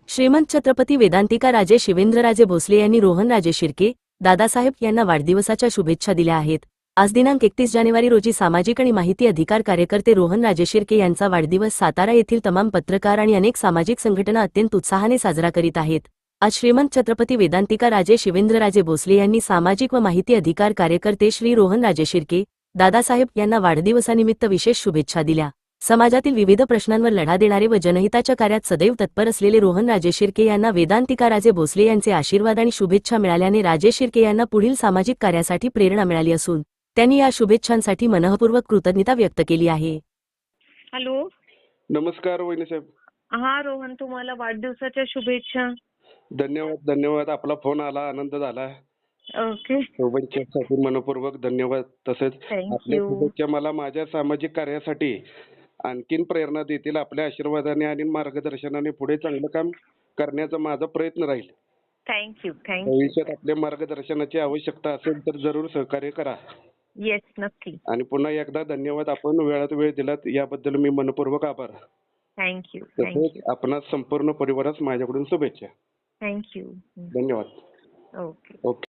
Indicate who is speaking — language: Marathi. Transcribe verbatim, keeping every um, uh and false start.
Speaker 1: श्रीमंत छत्रपती वेदांतिका राजे शिवेंद्रराजे भोसले यांनी रोहनराजे शिर्के दादासाहेब यांना वाढदिवसाच्या शुभेच्छा दिल्या आहेत। आज दिनांक एकतीस जानेवारी रोजी सामाजिक आणि माहिती अधिकार कार्यकर्ते रोहनराजे शिर्के यांचा वाढदिवस सातारा येथील तमाम पत्रकार आणि अनेक सामाजिक संघटना अत्यंत उत्साहाने साजरा करीत आहेत। आज श्रीमंत छत्रपती वेदांतिका राजे शिवेंद्रराजे भोसले यांनी सामाजिक व माहिती अधिकार कार्यकर्ते श्री रोहनराजे शिर्के दादासाहेब यांना वाढदिवसानिमित्त विशेष शुभेच्छा दिल्या। समाजातील विविध प्रश्नांवर लढा देणारे व जनहिताच्या कार्यात सदैव तत्पर असलेले रोहनराजे शिर्के यांना वेदांतिका राजे भोसले यांचे आशीर्वाद आणि शुभेच्छा मिळाल्याने राजे शिर्के यांना पुढील सामाजिक कार्यासाठी प्रेरणा मिळाली असून त्यांनी या शुभेच्छांसाठी मनःपूर्वक कृतज्ञता व्यक्त केली आहे।
Speaker 2: हॅलो,
Speaker 3: नमस्कार वहिनी साहेब.
Speaker 2: हा रोहन, तुम्हाला वाढदिवसाच्या शुभेच्छा.
Speaker 3: धन्यवाद धन्यवाद. आपला फोन आला, आनंद झाला.
Speaker 2: ओके,
Speaker 3: शुभेच्छासाठी मनपूर्वक धन्यवाद. तसेच
Speaker 2: Thank
Speaker 3: आपल्या
Speaker 2: you.
Speaker 3: शुभेच्छा मला माझ्या सामाजिक कार्यासाठी आणखीन प्रेरणा देतील. आपल्या आशीर्वादाने आणि मार्गदर्शनाने पुढे चांगलं काम करण्याचा माझा प्रयत्न राहील.
Speaker 2: Thank you thank you.
Speaker 3: भविष्यात आपल्या मार्गदर्शनाची आवश्यकता असेल तर जरूर सहकार्य करा.
Speaker 2: येस, नक्की.
Speaker 3: आणि पुन्हा एकदा धन्यवाद. आपण वेळात वेळ दिलात याबद्दल मी मनपूर्वक आभार.
Speaker 2: थँक्यू
Speaker 3: तसेच
Speaker 2: थँक्यू
Speaker 3: आपणास संपूर्ण परिवारास माझ्याकडून शुभेच्छा.
Speaker 2: थँक्यू.
Speaker 3: धन्यवाद.
Speaker 2: ओके.
Speaker 3: ओके.